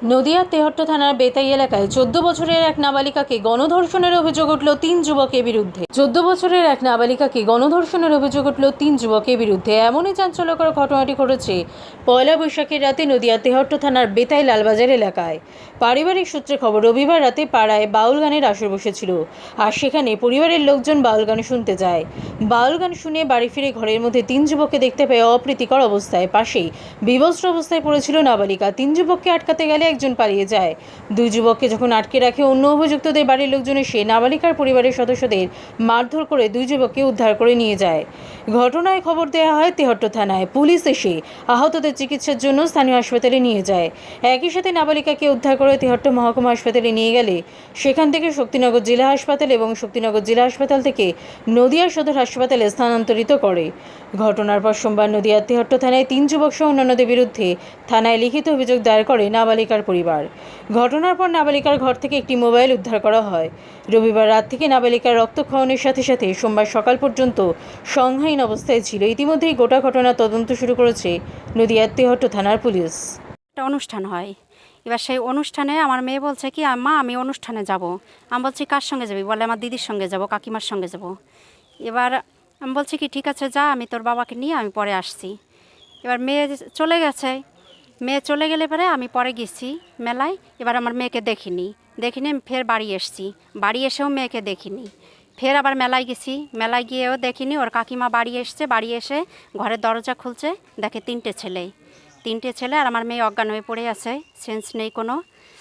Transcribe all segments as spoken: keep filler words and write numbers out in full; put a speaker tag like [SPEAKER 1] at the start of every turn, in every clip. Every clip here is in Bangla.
[SPEAKER 1] নদিয়া তেহট্ট থানার বেতাই এলাকায় চোদ্দ বছরের এক নাবালিকাকে গণধর্ষণের অভিযোগ উঠল তিন যুবকের বিরুদ্ধে চোদ্দ বছরের এক নাবালিকাকে গণধর্ষণের অভিযোগ উঠল তিন যুবকের বিরুদ্ধে এমনই চাঞ্চল্যকর ঘটনাটি ঘটেছে পয়লা বৈশাখের রাতে নদিয়া তেহট্ট থানার বেতাই লালবাজার এলাকায়। পারিবারিক সূত্রে খবর, রবিবার রাতে পাড়ায় বাউল গানের আসর বসেছিল আর সেখানে পরিবারের লোকজন বাউল গান শুনতে যায়। বাউল গান শুনে বাড়ি ফিরে ঘরের মধ্যে তিন যুবককে দেখতে পেয়ে অপ্রীতিকর অবস্থায় পাশেই বিবস্ত্র অবস্থায় পড়েছিল নাবালিকা। তিন যুবককে আটকাতে গেলে একজন পালিয়ে যায়। দুই যুবককে যখন আটকে রাখে অন্য অভিযুক্তদের বাড়ির লোকজন এসে নাবালিকার পরিবারের সদস্যদের মারধর করে দুই যুবককে উদ্ধার করে নিয়ে যায়। ঘটনায় খবর দেওয়া হয় তেহট্ট থানায়। পুলিশ এসে আহতদের চিকিৎসার জন্য স্থানীয় হাসপাতালে নিয়ে যায়। একই সাথে নাবালিকাকে উদ্ধার করে তেহট্ট মহকুমা হাসপাতালে নিয়ে গেলে সেখান থেকে শক্তিনগর জেলা হাসপাতাল এবং শক্তিনগর জেলা হাসপাতাল থেকে নদিয়া সদর হাসপাতালে স্থানান্তরিত করে। ঘটনার পর সোমবার নদিয়ার তেহট্ট থানায় তিন যুবক সহ অন্যান্যদের বিরুদ্ধে থানায় লিখিত অভিযোগ দায়ের করে নাবালিকার পরিবার। ঘটনার পর নাবালিকার ঘর থেকে একটি মোবাইল উদ্ধার করা হয়। রবিবার রাত থেকে নাবালিকার রক্তক্ষরণের সাথে সাথে সোমবার সকাল পর্যন্ত সংজ্ঞাহীন অবস্থায় ছিল। ইতিমধ্যেই গোটা ঘটনার তদন্ত শুরু করেছে নদিয়ার তেহট্ট থানার পুলিশ।
[SPEAKER 2] একটা অনুষ্ঠান হয়, এবার সেই অনুষ্ঠানে আমার মেয়ে বলছে কি মা আমি অনুষ্ঠানে যাব। আমি বলছি কার সঙ্গে যাবি? বলে আমার দিদির সঙ্গে যাব, কাকিমার সঙ্গে যাব। এবার আমি বলছি কি ঠিক আছে যা, আমি তোর বাবাকে নিয়ে আমি পরে আসছি। এবার মেয়ে চলে গেছে। মেয়ে চলে গেলে পরে আমি পরে গেছি মেলায়। এবার আমার মেয়েকে দেখিনি দেখিনি আমি ফের বাড়ি এসছি। বাড়ি এসেও মেয়েকে দেখিনি। ফের আবার মেলায় গেছি, মেলায় গিয়েও দেখিনি। ওর কাকিমা বাড়ি এসছে, বাড়ি এসে ঘরের দরজা খুলছে, দেখে তিনটে ছেলে তিনটে ছেলে আর আমার মেয়ে অজ্ঞান হয়ে পড়ে আছে, সেন্স নেই কোনো।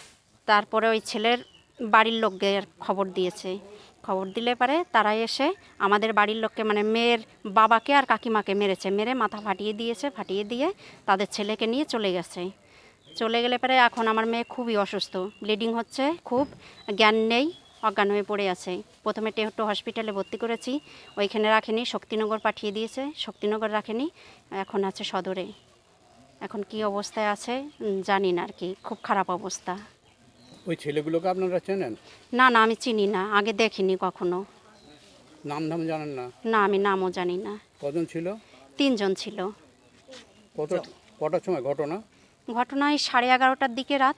[SPEAKER 2] তারপরে ওই ছেলের বাড়ির লোককে খবর দিয়েছে। খবর দিলে পারে তারা এসে আমাদের বাড়ির লোককে মানে মেয়ের বাবাকে আর কাকিমাকে মেরেছে, মেরে মাথা ফাটিয়ে দিয়েছে। ফাটিয়ে দিয়ে তাদের ছেলেকে নিয়ে চলে গেছে। চলে গেলে পরে এখন আমার মেয়ে খুবই অসুস্থ, ব্লিডিং হচ্ছে খুব, জ্ঞান নেই, অজ্ঞান হয়ে পড়ে আছে। প্রথমে তেহট্ট হসপিটালে ভর্তি করেছি, ওইখানে রাখেনি, শক্তিনগর পাঠিয়ে দিয়েছে, শক্তিনগর রাখেনি, এখন আছে সদরে। এখন কি অবস্থায় আছে জানি না আর কি, খুব খারাপ অবস্থা।
[SPEAKER 3] ওই ছেলেগুলোকে আপনারা চেনেন?
[SPEAKER 2] না না আমি চিনি না, আগে দেখিনি কখনো।
[SPEAKER 3] নাম ধাম জানেন না?
[SPEAKER 2] না আমি নামও জানি না।
[SPEAKER 3] কজন ছিল?
[SPEAKER 2] তিনজন ছিল।
[SPEAKER 3] কত কটার সময় ঘটনা?
[SPEAKER 2] ঘটনায় সাড়ে এগারোটার দিকে রাত।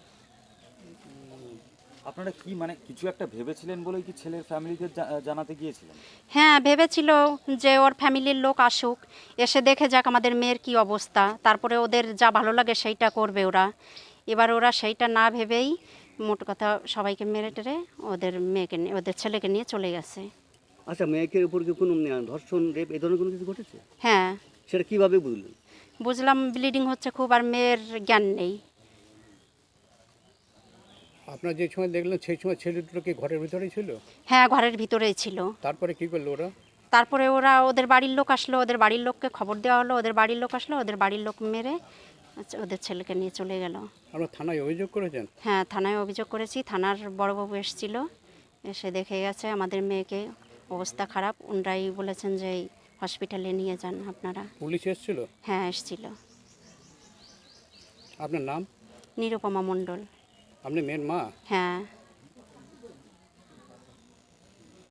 [SPEAKER 4] আপনারা কি মানে কিছু একটা ভেবেছিলেন বলেই কি ছেলের ফ্যামিলিকে জানাতে গিয়েছিলেন?
[SPEAKER 2] হ্যাঁ ভেবেছিল যে ওর ফ্যামিলির লোক আসুক, এসে দেখে যাক আমাদের মেয়ের কি অবস্থা, তারপরে ওদের যা ভালো লাগে সেইটা করবে ওরা। এবার ওরা সেইটা না ভেবেই মোট কথা সবাইকে মেরে টেরে ওদের মেয়েকে নিয়ে ওদের ছেলেকে নিয়ে চলে গেছে।
[SPEAKER 5] আচ্ছা, মেয়েকের উপর কি কোনো ধর্ষণ, রেপ এই ধরনের কোনো কিছু ঘটেছে?
[SPEAKER 2] হ্যাঁ
[SPEAKER 5] সেটা কিভাবে বুঝলেন?
[SPEAKER 2] বুঝলাম, ব্লিডিং হচ্ছে খুব আর মেয়ের জ্ঞান নেই।
[SPEAKER 3] আপনারা যে সময় দেখলেন সেই সময় ছেলে দুটো কি ঘরের ভিতরেই ছিল?
[SPEAKER 2] হ্যাঁ ঘরের ভিতরেই ছিল।
[SPEAKER 3] তারপরে কি করলো ওরা?
[SPEAKER 2] তারপরে ওরা ওদের বাড়ির লোক আসলো, ওদের বাড়ির লোককে খবর দেওয়া হলো, ওদের বাড়ির লোক আসলো, ওদের বাড়ির লোক মেরে আচ্ছা ওদের ছেলেকে নিয়ে চলে গেল।
[SPEAKER 3] আপনারা থানায় অভিযোগ করেছেন?
[SPEAKER 2] হ্যাঁ থানায় অভিযোগ করেছি, থানার বড়বাবু এসেছিল, এসে দেখে গেছে আমাদের মেয়েকে অবস্থা খারাপ। ওনারাই বলেছেন যে হসপিটালে নিয়ে যান আপনারা।
[SPEAKER 3] পুলিশ এসেছিল?
[SPEAKER 2] হ্যাঁ এসেছিল।
[SPEAKER 3] আপনার নাম?
[SPEAKER 2] নিরুপমা মণ্ডল।
[SPEAKER 3] আপনি মেয়ের মা?
[SPEAKER 2] হ্যাঁ।